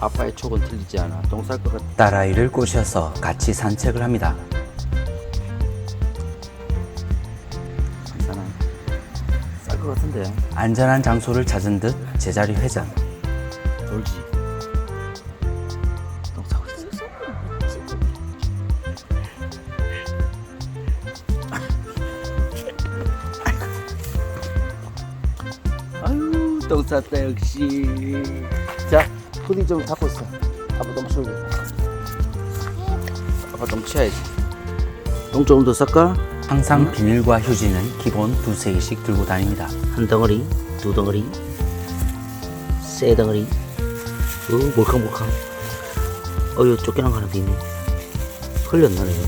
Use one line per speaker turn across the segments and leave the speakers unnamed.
아빠의 촉은 틀리지 않아. 똥 쌀 것 같아.
딸아이를 꼬셔서 같이 산책을 합니다.
괜찮아. 쌀 것 같은데.
안전한 장소를 찾은 듯 제자리 회전.
돌지. 똥 싸고 있어. 아유, 똥 쌌다 역시. 자, 푸딩 좀 잡고 있어. 아빠 똥 치우게. 아빠 똥 치워야지. 똥 조금 더 쌀까?
항상 비닐과 휴지는 기본 두세 개씩 들고 다닙니다.
한 덩어리, 두 덩어리, 세 덩어리. 몰캉몰캉. 여기 쫓겨난 거 하나 더 있네. 흘렸나 내가.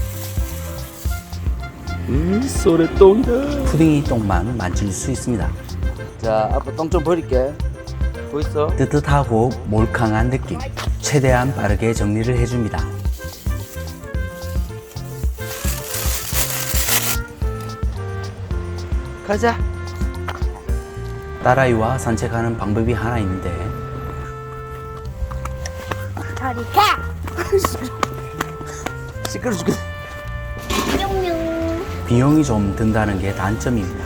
소래 똥이다.
푸딩이 똥만 만질 수 있습니다.
자, 아빠 똥 좀 버릴게. 보이소?
뜨뜻하고 몰캉한 느낌. 최대한 빠르게 정리를 해줍니다.
가자.
딸아이와 산책하는 방법이 하나 있는데
저리 가!
시끄러 죽겠어.
뿅뿅.
비용이 좀 든다는 게 단점입니다.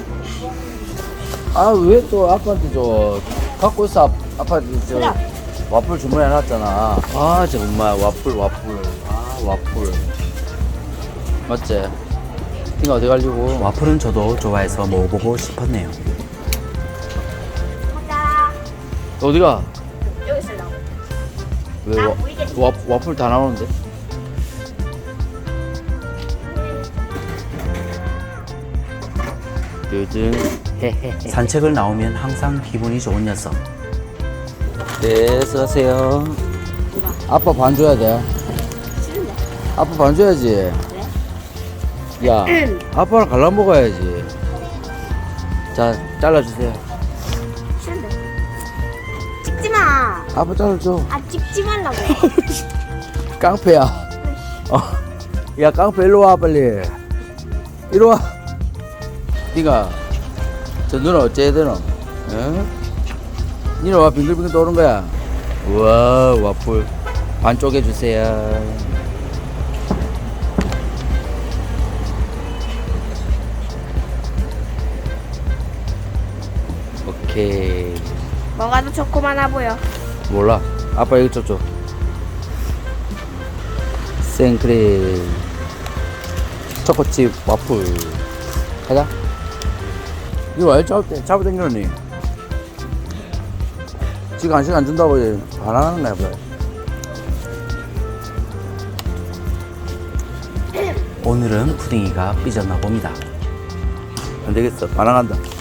아, 왜 또 아빠한테 갖고 있어. 아빠한테 와플 주문해놨잖아. 아, 정말 와플. 아, 와플. 맞지? 띵아 어디 가려고?
와플은 저도 좋아해서 먹어보고 싶었네요.
가자.
너 어디가?
여기 있으려고.
왜
나 보이겠지?
와플 다 나오는데? 요즘 헤헤헤.
산책을 나오면 항상 기분이 좋은 녀석.
네, 수고하세요. 아빠 반 줘야 돼.
싫은데?
아빠 반 줘야지. 야, 아빠랑 갈라 먹어야지. 자, 잘라주세요.
싫은데? 찍지 마.
아빠 잘라줘.
아, 찍지 말라고.
깡패야. 야, 깡패 일로 와, 빨리. 이리 와. 니가, 저 누나 어째 되노? 응? 니는 와, 빙글빙글 도는 거야. 우와, 와플. 반 쪼개주세요. 오케이.
뭐가 더 좋고 많아 보여.
몰라. 아빠 이거 줘. 생크림. 초코칩 와플. 가자. 이거 왜 잡아당기니? 지금 간식 안 준다고 반항하는 거야, 뭐.
오늘은 푸딩이가 삐졌나 봅니다.
안 되겠어. 반항한다.